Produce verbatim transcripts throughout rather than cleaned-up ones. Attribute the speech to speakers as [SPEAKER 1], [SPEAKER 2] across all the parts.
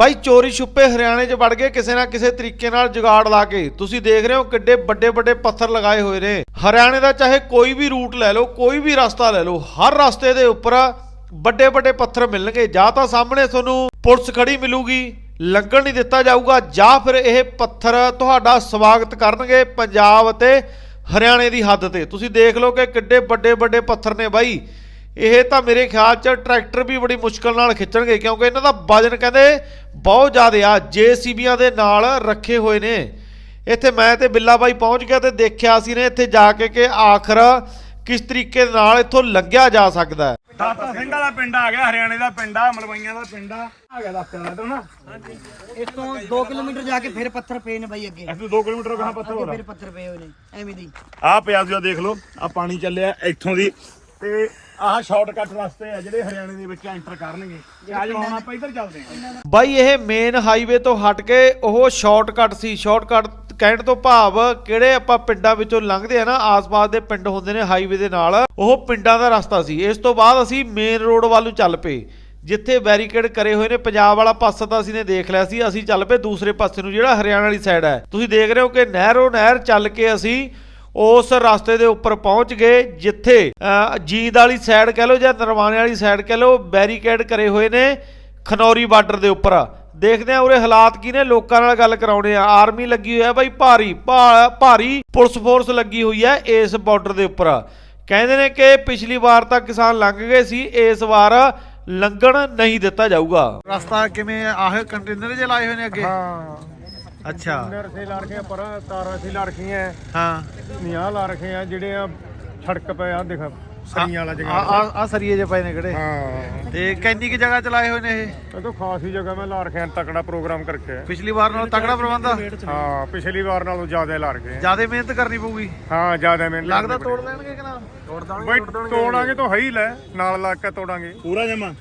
[SPEAKER 1] ਬਾਈ ਚੋਰੀ ਛੁਪੇ ਹਰਿਆਣੇ 'ਚ ਵੜ ਗਏ ਕਿਸੇ ਨਾ ਕਿਸੇ ਤਰੀਕੇ ਨਾਲ ਜੁਗਾੜ ਲਾ ਕੇ। ਤੁਸੀਂ ਦੇਖ ਰਹੇ ਹੋ ਕਿੱਡੇ ਵੱਡੇ ਵੱਡੇ ਪੱਥਰ ਲਗਾਏ ਹੋਏ ਨੇ। ਹਰਿਆਣੇ ਦਾ ਚਾਹੇ ਕੋਈ ਵੀ ਰੂਟ ਲੈ ਲਓ, ਕੋਈ ਵੀ ਰਸਤਾ ਲੈ ਲਓ, ਹਰ ਰਸਤੇ ਦੇ ਉੱਪਰ ਵੱਡੇ ਵੱਡੇ ਪੱਥਰ ਮਿਲਣਗੇ। ਜਾਂ ਤਾਂ ਸਾਹਮਣੇ ਤੁਹਾਨੂੰ ਪੁਲਿਸ ਖੜੀ ਮਿਲੂਗੀ, ਲੰਘਣ ਨਹੀਂ ਦਿੱਤਾ ਜਾਊਗਾ, ਜਾਂ ਫਿਰ ਇਹ ਪੱਥਰ ਤੁਹਾਡਾ ਸਵਾਗਤ ਕਰਨਗੇ ਪੰਜਾਬ ਅਤੇ ਹਰਿਆਣੇ ਦੀ ਹੱਦ ਤੇ। ਤੁਸੀਂ ਦੇਖ ਲਓ ਕਿ ਕਿੱਡੇ ਵੱਡੇ ਵੱਡੇ ਪੱਥਰ ਨੇ ਬਾਈ। ਇਹ ਤਾਂ ਮੇਰੇ ਖਿਆਲ 'ਚ ਟਰੈਕਟਰ ਵੀ ਬੜੀ ਮੁਸ਼ਕਲ ਨਾਲ ਖਿੱਚਣਗੇ, ਕਿਉਂਕਿ ਇਹਨਾਂ ਦਾ ਵਜਨ ਕਹਿੰਦੇ ਬਹੁਤ ਜ਼ਿਆਦਾ ਆ। ਜੇਸੀਬੀਆਂ ਦੇ ਨਾਲ ਰੱਖੇ ਹੋਏ ਨੇ। ਇੱਥੇ ਮੈਂ ਤੇ ਬਿੱਲਾ ਬਾਈ ਪਹੁੰਚ ਗਿਆ ਤੇ ਦੇਖਿਆ ਸੀ ਨੇ ਇੱਥੇ ਜਾ ਕੇ ਕਿ ਆਖਰ ਕਿਸ ਤਰੀਕੇ ਨਾਲ ਇੱਥੋਂ ਲੰਘਿਆ ਜਾ ਸਕਦਾ ਹੈ।
[SPEAKER 2] ਦਾਤਾ ਸਿੰਘ ਵਾਲਾ ਪਿੰਡ ਆ ਗਿਆ, ਹਰਿਆਣੇ ਦਾ ਪਿੰਡ ਆ, ਮਲਵਈਆਂ ਦਾ ਪਿੰਡ ਆ ਆ ਗਿਆ ਦਾਤੇ ਵਾਲਾ ਤੋਂ ਨਾ।
[SPEAKER 3] ਇਸ ਤੋਂ ਦੋ ਕਿਲੋਮੀਟਰ ਜਾ ਕੇ ਫਿਰ ਪੱਥਰ ਪਏ ਨੇ ਬਾਈ ਅੱਗੇ।
[SPEAKER 2] ਇੱਥੋਂ ਦੋ ਕਿਲੋਮੀਟਰ ਗਾਹਾਂ ਪੱਥਰ ਹੋ
[SPEAKER 3] ਫਿਰ ਪੱਥਰ ਪਏ ਹੋਏ ਨੇ ਐਵੇਂ ਦੀ।
[SPEAKER 2] ਆ ਪਿਆ ਸੀ, ਦੇਖ ਲਓ ਆ ਪਾਣੀ ਚੱਲਿਆ ਇੱਥੋਂ ਦੀ, ਤੇ ਆਹ ਸ਼ਾਰਟਕਟ ਰਸਤੇ ਆ ਜਿਹੜੇ ਹਰਿਆਣੇ ਦੇ ਵਿੱਚ ਐਂਟਰ ਕਰਨਗੇ। ਅੱਜ ਹੁਣ ਆਪਾਂ ਇੱਧਰ ਚੱਲਦੇ ਹਾਂ
[SPEAKER 1] ਬਾਈ। ਇਹ ਮੇਨ ਹਾਈਵੇ ਤੋਂ ਹਟ ਕੇ ਉਹ ਸ਼ਾਰਟਕਟ ਸੀ। ਸ਼ਾਰਟਕਟ ਕਹਿਣ ਤੋਂ ਭਾਵ ਕਿਹੜੇ ਆਪਾਂ ਪਿੰਡਾਂ ਵਿੱਚੋਂ ਲੰਘਦੇ ਆ ਨਾ, ਆਸ-ਪਾਸ ਦੇ ਪਿੰਡ ਹੁੰਦੇ ਨੇ ਹਾਈਵੇ ਦੇ ਨਾਲ, ਉਹ ਪਿੰਡਾਂ ਦਾ ਰਸਤਾ ਸੀ। ਇਸ ਤੋਂ ਬਾਅਦ ਅਸੀਂ ਮੇਨ ਰੋਡ ਵੱਲ ਨੂੰ ਚੱਲ ਪਏ, ਜਿੱਥੇ ਬੈਰੀਕੇਡ ਕਰੇ ਹੋਏ ਨੇ। ਪੰਜਾਬ ਵਾਲਾ ਪਾਸਾ ਤਾਂ ਅਸੀਂ ਨੇ ਦੇਖ ਲਿਆ ਸੀ, ਅਸੀਂ ਚੱਲ ਪਏ ਦੂਸਰੇ ਪਾਸੇ ਨੂੰ ਜਿਹੜਾ ਹਰਿਆਣਾ ਵਾਲੀ ਸਾਈਡ ਹੈ। ਤੁਸੀਂ ਦੇਖ ਰਹੇ ਹੋ ਕਿ ਨਹਿਰੋਂ ਨਹਿਰ ਚੱਲ ਕੇ ਅਸੀਂ ਉਸ ਰਸਤੇ ਦੇ ਉੱਪਰ ਪਹੁੰਚ ਗਏ, ਜਿੱਥੇ ਜੀਂਦ ਵਾਲੀ ਸਾਈਡ ਕਹਿ ਲਓ ਜਾਂ ਨਰਵਾਣੇ ਵਾਲੀ ਸਾਈਡ ਕਹਿ ਲਓ, ਬੈਰੀਕੇਡ ਕਰੇ ਹੋਏ ਨੇ ਖਨੌਰੀ ਬਾਰਡਰ ਦੇ ਉੱਪਰ। ਦੇਖਦੇ ਆ ਉਰੇ ਹਾਲਾਤ ਕੀ ਨੇ, ਲੋਕਾਂ ਨਾਲ ਗੱਲ ਕਰਾਉਣੇ ਆ। ਆਰਮੀ ਲੱਗੀ ਹੋਈ ਹੈ ਬਾਈ, ਭਾਰੀ ਭਾਰੀ ਪੁਲਿਸ ਫੋਰਸ ਲੱਗੀ ਹੋਈ ਹੈ ਇਸ ਬਾਰਡਰ ਦੇ ਉੱਪਰ। ਕਹਿੰਦੇ ਨੇ ਕਿ ਪਿਛਲੀ ਵਾਰ ਤਾਂ ਕਿਸਾਨ ਲੰਘ ਗਏ ਸੀ, ਇਸ ਵਾਰ ਲੰਘਣ ਨਹੀਂ ਦਿੱਤਾ ਜਾਊਗਾ। ਰਸਤਾ ਕਿਵੇਂ ਆਹ ਕੰਟੇਨਰ ਜੇ ਲਾਏ ਹੋਏ ਨੇ ਅੱਗੇ?
[SPEAKER 2] ਹਾਂ
[SPEAKER 1] ਅੱਛਾ,
[SPEAKER 2] ਕੰਟੇਨਰ ਸੇ ਲਾ ਰਖੇ ਪਰ ਤਾਰਾਂ ਸੇ ਲਾ ਰਖੀਆਂ।
[SPEAKER 1] ਹਾਂ
[SPEAKER 2] ਨਿਆ ਲਾ ਰਖੇ ਆ ਜਿਹੜੇ ਆ ਸੜਕ ਪਏ ਆ, ਦੇਖ ਸਰੀਆਂ ਵਾਲਾ ਜਗ੍ਹਾ।
[SPEAKER 1] ਆ ਆ ਸਰੀਏ ਜੇ ਪਏ ਨੇ ਕਿਹੜੇ?
[SPEAKER 2] ਹਾਂ,
[SPEAKER 1] ਤੇ ਕਿੰਨੀ ਕਿ ਜਗ੍ਹਾ ਚਲਾਏ ਹੋਏ ਨੇ ਇਹ?
[SPEAKER 2] ਇਹ ਤਾਂ ਖਾਸ ਹੀ ਜਗ੍ਹਾ ਮੈਂ ਲਾ ਰਖਿਆ, ਤਕੜਾ ਪ੍ਰੋਗਰਾਮ ਕਰਕੇ।
[SPEAKER 1] ਪਿਛਲੀ ਵਾਰ ਨਾਲੋਂ ਤਕੜਾ ਪ੍ਰਬੰਧ ਆ।
[SPEAKER 2] ਹਾਂ, ਪਿਛਲੀ ਵਾਰ ਨਾਲੋਂ ਜ਼ਿਆਦਾ ਲਾ ਰਖੇ।
[SPEAKER 1] ਜਿਆਦਾ ਮਿਹਨਤ ਕਰਨੀ ਪਊਗੀ।
[SPEAKER 2] ਹਾਂ, ਜ਼ਿਆਦਾ ਮਿਹਨਤ
[SPEAKER 1] ਲੱਗਦਾ ਤੋੜ ਲੈਣਗੇ ਕਿ ਨਾ? ਤੋੜ
[SPEAKER 2] ਬਈ ਤੋੜਾਂਗੇ ਤਾਂ ਹੈ ਹੀ ਲੈ, ਨਾਲ ਲੱਗ ਕੇ ਤੋੜਾਂਗੇ ਪੂਰਾ ਜਮਾ।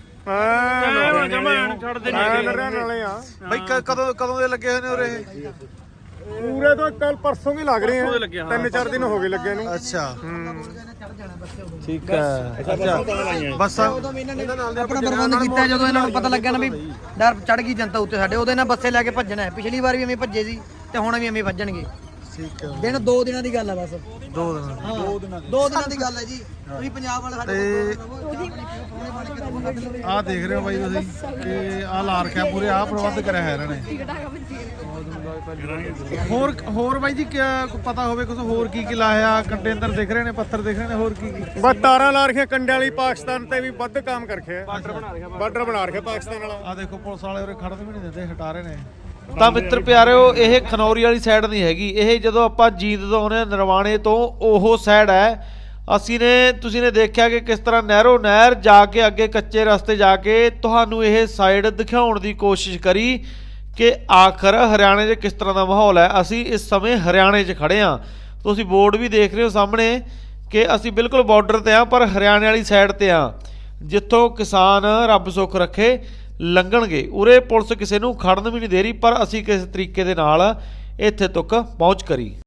[SPEAKER 2] ਹਾਂ ਜਮਾ ਛੱਡ ਦੇ ਨਾਲੇ ਆ
[SPEAKER 1] ਬਈ ਕਦੋਂ ਕਦੋਂ ਦੇ ਲੱਗੇ ਹੋਏ ਨੇ ਉਰੇ ਇਹ?
[SPEAKER 2] ਪੂਰੇ ਤਾਂ ਕੱਲ ਪਰਸੋਂ ਵੀ ਲੱਗ ਰਹੇ ਆ, ਤਿੰਨ ਚਾਰ ਦਿਨ ਹੋ ਗਏ ਲੱਗੇ ਨੂੰ।
[SPEAKER 1] ਅੱਛਾ ਠੀਕ ਹੈ। ਅੱਛਾ ਬਸ
[SPEAKER 3] ਉਦੋਂ ਵੀ ਇਹਨਾਂ ਨੇ ਆਪਣਾ ਪ੍ਰਬੰਧ ਕੀਤਾ, ਜਦੋਂ ਇਹਨਾਂ ਨੂੰ ਪਤਾ ਲੱਗਿਆ ਨਾ ਵੀ ਡਰ ਚੜ ਗਈ ਜਨਤਾ ਉੱਤੇ ਸਾਡੇ, ਉਹਦੇ ਨਾਲ ਬੱਸੇ ਲੈ ਕੇ ਭੱਜਣਾ ਹੈ। ਪਿਛਲੀ ਵਾਰ ਵੀ ਐਵੇਂ ਭੱਜੇ ਸੀ ਤੇ ਹੁਣ ਵੀ ਐਵੇਂ ਭੱਜਣਗੇ।
[SPEAKER 1] ਠੀਕ ਹੈ।
[SPEAKER 3] ਦਿਨ ਦੋ ਦਿਨਾਂ ਦੀ ਗੱਲ ਹੈ ਬਸ।
[SPEAKER 1] ਦੋ ਦਿਨ
[SPEAKER 3] ਹਾਂ ਦੋ ਦਿਨਾਂ ਦੋ ਦਿਨਾਂ ਦੀ ਗੱਲ ਹੈ ਜੀ। ਤੁਸੀਂ ਪੰਜਾਬ ਵਾਲੇ ਸਾਡੇ
[SPEAKER 1] ਆਹ ਦੇਖ ਰਹੇ ਹੋ ਬਾਈ ਤੁਸੀਂ ਕਿ ਆਹ ਲਾ ਰੱਖਿਆ ਪੂਰੇ, ਆਹ ਪ੍ਰਬੰਧ ਕਰਿਆ ਹੈ ਇਹਨਾਂ ਨੇ। ਹੋਰ ਹੋਰ ਬਾਈ ਜੀ ਕਿਆ ਪਤਾ ਹੋਵੇ ਕੁਝ ਹੋਰ ਕੀ ਕੀ ਲਾਇਆ? ਕੰਟੇਨਰ ਦਿਖ ਰਹੇ ਨੇ, ਪੱਥਰ ਦਿਖ ਰਹੇ ਨੇ, ਹੋਰ ਕੀ ਕੀ?
[SPEAKER 2] ਬਸ ਤਾਰਾਂ ਲਾ ਰਖੀਆਂ ਕੰਡੇ ਵਾਲੀ, ਪਾਕਿਸਤਾਨ ਤੇ ਵੀ ਵੱਧ ਕੰਮ ਕਰ ਰੱਖਿਆ। ਬਾਰਡਰ ਬਣਾ ਰੱਖਿਆ, ਬਾਰਡਰ ਬਣਾ ਰੱਖਿਆ ਪਾਕਿਸਤਾਨ ਵਾਲਾ।
[SPEAKER 1] ਆਹ ਦੇਖੋ ਪੁਲਿਸ ਵਾਲੇ ਉਰੇ ਖੜਨ ਵੀ ਨਹੀਂ ਦਿੰਦੇ, ਹਟਾ ਰਹੇ ਨੇ। ਤਾਂ ਮਿੱਤਰ ਪਿਆਰਿਓ, ਇਹ ਖਨੌਰੀ ਵਾਲੀ ਸਾਈਡ ਨਹੀਂ ਹੈਗੀ। ਇਹ ਜਦੋਂ ਆਪਾਂ ਜੀਂਦ ਤੋਂ ਆਉਂਦੇ ਨਰਵਾਣੇ ਤੋਂ, ਉਹ ਸਾਈਡ ਹੈ। ਅਸੀਂ ਨੇ ਤੁਸੀਂ ਨੇ ਦੇਖਿਆ ਕਿ ਕਿਸ ਤਰ੍ਹਾਂ ਨਹਿਰੋ ਨਹਿਰ ਜਾ ਕੇ ਅੱਗੇ ਕੱਚੇ ਰਸਤੇ ਜਾ ਕੇ ਤੁਹਾਨੂੰ ਇਹ ਸਾਈਡ ਦਿਖਾਉਣ ਦੀ ਕੋਸ਼ਿਸ਼ ਕਰੀ ਕਿ ਆਖਰ ਹਰਿਆਣੇ 'ਚ ਕਿਸ ਤਰ੍ਹਾਂ ਦਾ ਮਾਹੌਲ ਹੈ। ਅਸੀਂ ਇਸ ਸਮੇਂ ਹਰਿਆਣੇ 'ਚ ਖੜੇ ਹਾਂ। ਤੁਸੀਂ ਬੋਰਡ ਵੀ ਦੇਖ ਰਹੇ ਹੋ ਸਾਹਮਣੇ ਕਿ ਅਸੀਂ ਬਿਲਕੁਲ ਬਾਰਡਰ ਤੇ ਹਾਂ, ਪਰ ਹਰਿਆਣੇ ਵਾਲੀ ਸਾਈਡ ਤੇ ਹਾਂ, ਜਿੱਥੋਂ ਕਿਸਾਨ ਰੱਬ ਸੁੱਖ ਰੱਖੇ ਲੰਘਣਗੇ। ਉਰੇ ਪੁਲਿਸ ਕਿਸੇ ਨੂੰ ਖੜਨ ਵੀ ਨਹੀਂ ਦੇ ਰਹੀ, ਪਰ ਅਸੀਂ ਕਿਸੇ ਤਰੀਕੇ ਦੇ ਨਾਲ ਇੱਥੇ ਤੱਕ ਪਹੁੰਚ ਕਰੀ।